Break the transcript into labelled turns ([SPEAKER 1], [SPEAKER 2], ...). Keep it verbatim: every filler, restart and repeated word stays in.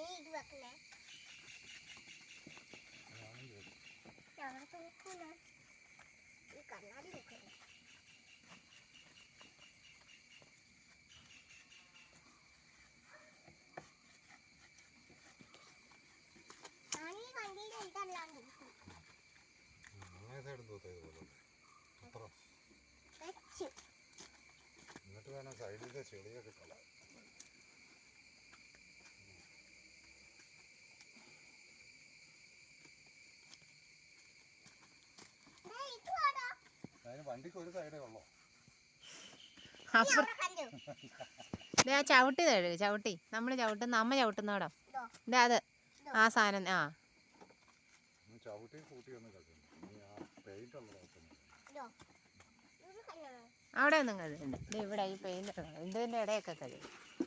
[SPEAKER 1] എന്നിട്ട് വേണം സൈഡിലെ ചെളിയൊക്കെ കളയാൻ. അതിന് വണ്ടിക്ക് ഒരു സൈഡേ ഉള്ളോ?
[SPEAKER 2] ചവിട്ടി തഴു ചവിട്ടി നമ്മൾ ചവിട്ടുന്ന അമ്മ ചവിട്ടുന്നോടോ ഇതാ അത് ആ സാധനം. ആ
[SPEAKER 1] ചവിട്ടി കൂട്ടി ഒന്ന് പെയിന്റ് ഉള്ളതോ
[SPEAKER 2] അവിടെ ഒന്നും കഴുകണ്ട. ഇവിടെ ഈ പെയിന്റ് ഇതിൻ്റെ ഇടയൊക്കെ കഴുകും.